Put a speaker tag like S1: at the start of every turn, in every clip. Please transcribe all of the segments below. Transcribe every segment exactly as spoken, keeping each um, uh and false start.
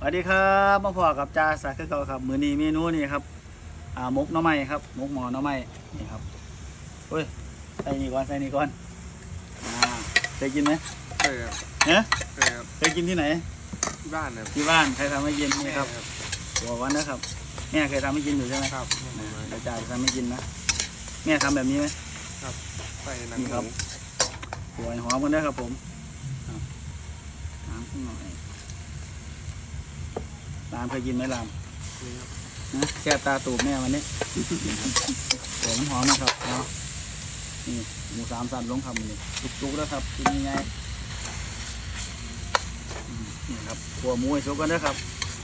S1: วัสดีครับมาพอกับจ่าสักดิ์เก่าครับมื้อนี้เมนูนี่ครับอ่ามกหน่อไม้ครับมกหมอหน่อไม้นี่ครับเฮ้ยใส่นี่ก่อนใส่นี่ก่อนอ่าเคยกินไหม
S2: เคยครับ
S1: เนะ
S2: เคยครับ
S1: เคยกินที่ไหน
S2: ที่บ้านครับ
S1: ที่บ้านใครทำให้กินนี่ครับ
S2: แม่
S1: บอกวันนะครับแม่เคยทำให้กินอยู่ใช่ไหม
S2: ครับ
S1: อ่าเดี๋ยวจ่าจะทำให้กินนะแม่ทำแบบนี้ไหม
S2: ครับใส่หนัง
S1: นี่
S2: ห
S1: ครั
S2: มู
S1: บ สวยหอมกันด้วยครับผมอ่ะน้ำขึ้นหน่อยรามเคยกินไหมราม
S2: นี่ครับ
S1: นะแค่ตาตูบแม่วันนี้ โอ้มันหอมนะครับเนาะนี่หมูสามสันลงคำนี่จุกๆแล้วครับกินยังไงอืมนี่ครับขัวหมูให้สุกกันด้วยครับ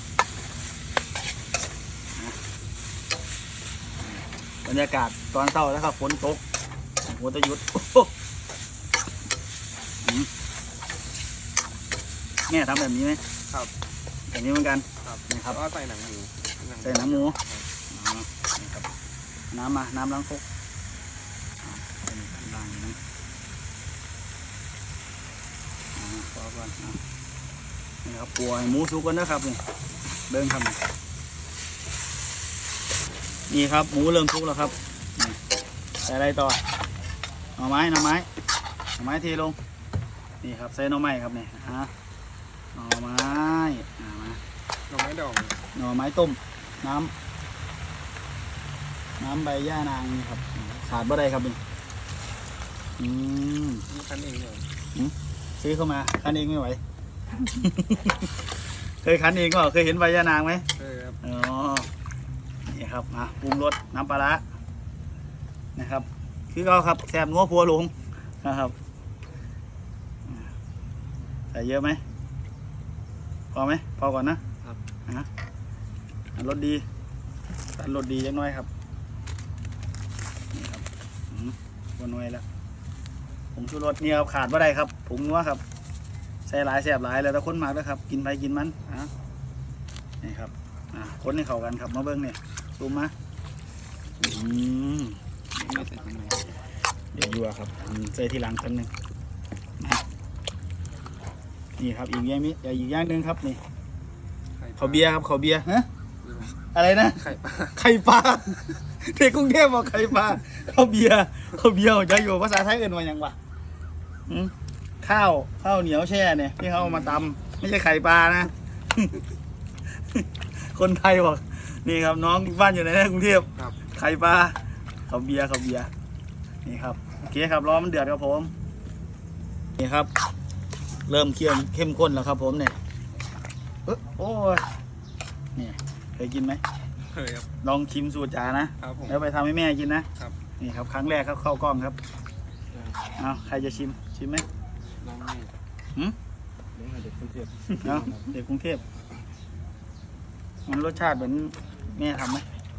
S1: นะบรรยากาศตอนเช้าแล้วครับฝนตกหัวตะยุดโอ้โหอืมแม่ทำแบบนี้ไหม
S2: ครับ
S1: แบบนี้เหมือนกัน
S2: ครับ
S1: นี่ครับ
S2: แล้วก็ใส่หนังหมู
S1: ใส่หนังหมู
S2: ครับ
S1: อ๋อนี่ครับน้ำมาน้ำล้างครกอ่าใส่ในล้างนะอ่าพอก่อนอ่ะนี่ครับปัวให้หมูสุกกันนะครับนี่เดินครับนี่ครับหมูเริ่มสุกแล้วครับนี่ใส่อะไรต่อหน่อไม้หน่อไม้หน่อไม้เทลงนี่ครับใส่หน่อไม้ครับนี่ฮะหน่อไม้อ่ามา
S2: หน่อไม้ดอง
S1: หน่อไม้ต้มน้ำน้ำใบย่านางนี่ครับขาดบ่ได้ครับนี่อืม
S2: มีคันเองเหรอ
S1: ซื้อเข้ามาคั้นเองไม่ไหว เคยคั้นเองก็เคยเห็นใบย่านางไหม
S2: เคยครับ
S1: อ๋อนี่ครับมาปรุงรสน้ำปลาร้านะครับคือเราครับแซ่บนัวพัวหลงนะครับใส่เยอะไหมพอไหมพอก่อนนะครับ อ่ะอ่ะรสดีตัดรสดียังน้อยครับนี่ครับอืมวนน้อยแล้วผงชูรสเนี่ยครับขาดว่าได้ครับผงนัวครับใส่หลายแสบหลายแล้วแต่คนมากแล้วครับกินไปกินมันอ่ะนี่ครับอ่ะคนให้เข้ากันครับมาเบิ้งเนี่ยซูมมาอืม
S2: ไม่ใส่ทำไม
S1: เดี๋ยวยั่วครับอืมใส่ทีหลังกันหนึ่งนะนี่ครับอีกอย่างนี้อีกอย่างหนึ่งครับนี่เขาวเบียร์ครับเขาวเบียร์ฮะอะไรนะ
S2: ไข่ปลา
S1: ไข่ปลาเด็กกรุงเทพบอกไข่ปลาข้าวเบียร์ข้าวเบียร์จะอยู่ภาษาไทยเอื่นว่าหยังวะหืมข้าวข้าวเหนียวแช่เนี่ยที่เขาเอามาตำไม่ใช่ไข่ปลานะ คนไทยบอกนี่ครับน้องบ้านอยู่ในกรุงเทพ
S2: ครับ
S1: ไข่ปลาข้าวเบียร์ข้าวเบียร์นี่ครับโอเคครับรอมันเดือดครับผมนี่ครับ เริ่มเคี่ยวเข้มข้นแล้วครับผมเนี่ยเอ้อโอ้ยนี่เคยกินไหม
S2: เคยครับ
S1: ลองชิมสูตรจ๋านะครับ
S2: ผม
S1: แล้วไปทำให้แม่กินนะครับ นี่ครับครั้งแรกครับเข้ากล้องครับเอาใครจะชิมชิมไหม
S2: น้องนี่
S1: หืม
S2: เลี้ยงเด็กกรุงเทพ
S1: เอาเด็กกรุงเทพมันรสชาติเหมือนแม่ทำไหม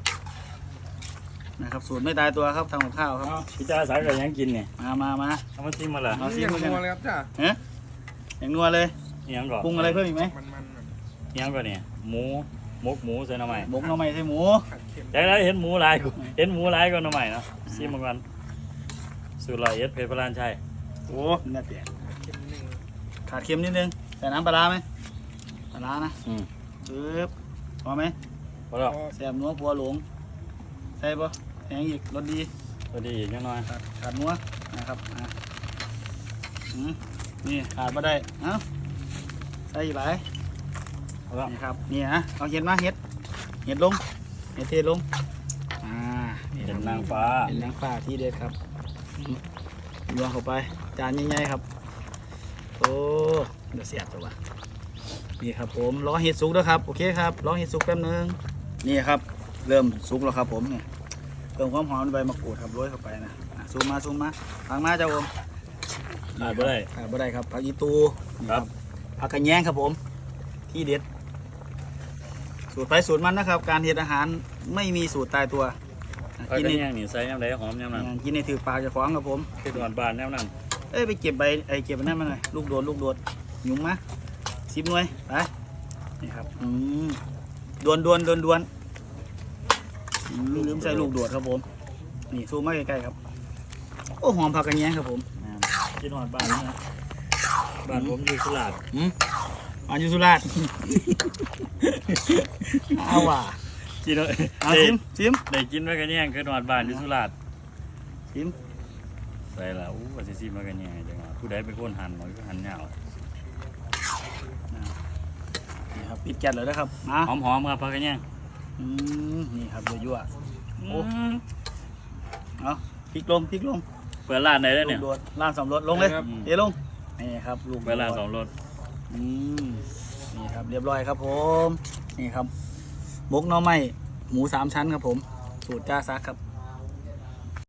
S1: นะครับสูตรไม่ตายตัวครับทำกับข้าวครับ
S3: พี่จ้าสายกับยังกินเนี่ย
S1: มามามา
S3: เอามาจิ้มมาละ
S1: เอาซิ
S2: นี่
S1: ม
S2: อย่าง
S1: มากัน
S2: นัวเลยครับจ้า
S1: เอ๊ะอย่างนัวเลย
S3: อิหยังก่อน
S1: ปรุงอะไรเพิ่มอีกไหม
S2: มันมันแบบ
S3: อิหยังก่อนเนี่ยหมูหมกหมูใส่หน่อไม้
S1: บกหน่อไม้ใส่หมู
S2: ขัดเค็ม
S3: จากนั้นเห็นหมูหลายกูเห็นหมูหลายก็หน่อไม้เนาะซิมมาก่อนสูตรลอยเอ็ดเพชรพลานชัย
S1: โอ้น่าเปลี่ยน
S2: เค็มนิดนึง
S1: ขาดเค็มนิดนึงใส่น้ำปลาร้าไหมปลาร้านะ
S3: อืม
S1: ปึ๊บพอไหม
S3: พอแล้ว
S2: พอ
S1: แซ่บนัวพัวหลงใส่ปะแพงอีกรสดี
S3: พอดีอีกนิดหน่อย
S1: ขาดขาดนัวนะครับอ่ะอืมนี่ขาดมาได้เอ้าใส่อีกหลาย
S3: พอแล้ว
S1: นี่ครับนี่นะเอาเห็ดมาเห็ดเห็ดลงเห็ดเทลงอ่านี่ค
S3: เป็
S1: รับ
S3: นนางฟ้า
S1: เป็นนางฟ้าที่เด็ดครับอืมรวงเข้าไปจานใหญ่ๆครับโอ้เดี๋ยวเสียบตัววะนี่ครับผมรอเห็ดสุกแล้วครับโอเคครับรอเห็ดสุกแป๊บนึงนี่ครับเริ่มสุกแล้วครับผมเนี่ยเติมความหอมใบมะกรูดครับโรยเข้าไปนะอ่ะซูมมาซูมมาฟังมาเจ้าผม
S3: ขาดไม่ได้
S1: ขาดบ่ได้ครับผักอีตูนี่
S3: ครับ
S1: ผักกระแยงครับผมที่เด็ด สูตรไปสูตรมันนะครับ การเฮ็ดอาหารไม่มีสูตรตายตัวอ่ะ
S3: ผัก
S1: กิน
S3: กระ
S1: ใน
S3: เทียมนี่ใส่ยำใดหอมยำนั้น
S1: อ่ะกินในถือปากเจะฟ้าของครับผม
S3: คือตอนบานยำนั้น
S1: เอ้ยไปเก็บใบไอ้เก็บอันนั่นมาหน่อยลูกโดดลูกโดดหยุ่มมาสิบหน่วยไปนี่ครับอืมดวนดวนดวนดวนอืมลืมใส่ลูกโดดครับผมนี่ซูมมาใกล้ๆครับโอ้หอมผักกระแยงครับผม
S3: กินหอดบ้านนี่นะบ้านผมอยู่สุราษฎร์
S1: อืมหวานอยู่สุราษฎร์ เอาว่ะ
S3: กินเลย
S1: เอา
S3: ได้
S1: ชิมชิม
S3: ได้กินไว้กันแย่งคือหนวดบ้านอยู่สุราษฎร์
S1: ชิม
S3: ใส่ละอู้ว่าสิซิมไว้กันแย่งจังหวะผู้ใดเป็นคนหั่นหน่อยก็หั่นยาว
S1: นี่ครับปิดแก๊สเลยนะครับมา
S3: หอมๆครับพักกันแย่ง
S1: อืมนี่ครับยั่ว
S3: โอ้
S1: ๆเอาพริกลงพริกลง
S3: เปิดร้านไหนได้
S1: ลู
S3: เนี่ย
S1: กโดดล่างสำรสลงเลย
S3: อืม
S1: เทลงนี่ครับลูก
S3: เปิดร้านสองรถ
S1: อืมนี่ครับเรียบร้อยครับผมนี่ครับบกหน่อไม้หมูสามชั้นครับผมสูตรจ้าซักครับ